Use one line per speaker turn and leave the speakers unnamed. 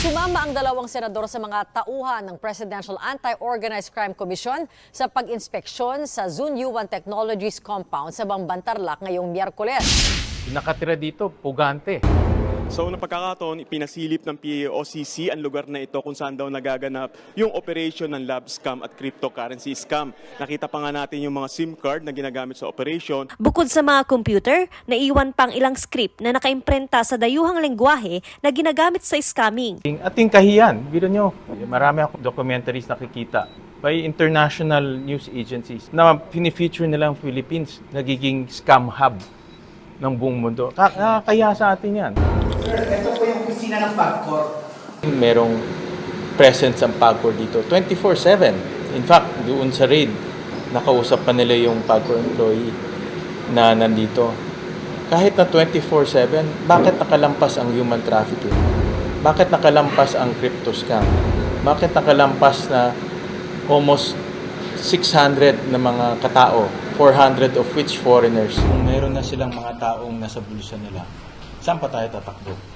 Sumama ang dalawang senador sa mga tauhan ng Presidential Anti-Organized Crime Commission sa pag-inspeksyon sa Zunyuan Technologies Compound sa Bambantarlac ngayong Miyerkules.
Nakatira dito, pugante.
Sa unang pagkakataon, ipinasilip ng PAOCC ang lugar na ito kung saan daw nagaganap yung operation ng lab scam at cryptocurrency scam. Nakita pa nga natin yung mga SIM card na ginagamit sa operation.
Bukod sa mga computer, naiwan pang ilang script na nakaimprenta sa dayuhang lengguwahe na ginagamit sa scamming.
Ating kahiyan, biro nyo, marami akong documentaries nakikita by international news agencies na pinifeature nilang Philippines, nagiging scam hub ng buong mundo. Kaya sa atin yan.
Sir, ito po yung kusina ng PAGCOR.
Merong presence ang PAGCOR dito, 24/7. In fact, doon sa raid, nakausap pa nila yung PAGCOR employee na nandito. Kahit na 24/7, bakit nakalampas ang human trafficking? Bakit nakalampas ang crypto scam? Bakit nakalampas na almost 600 na mga katao, 400 of which foreigners? Kung meron na silang mga taong nasa bulsa nila, saan pa tayo tatakbo?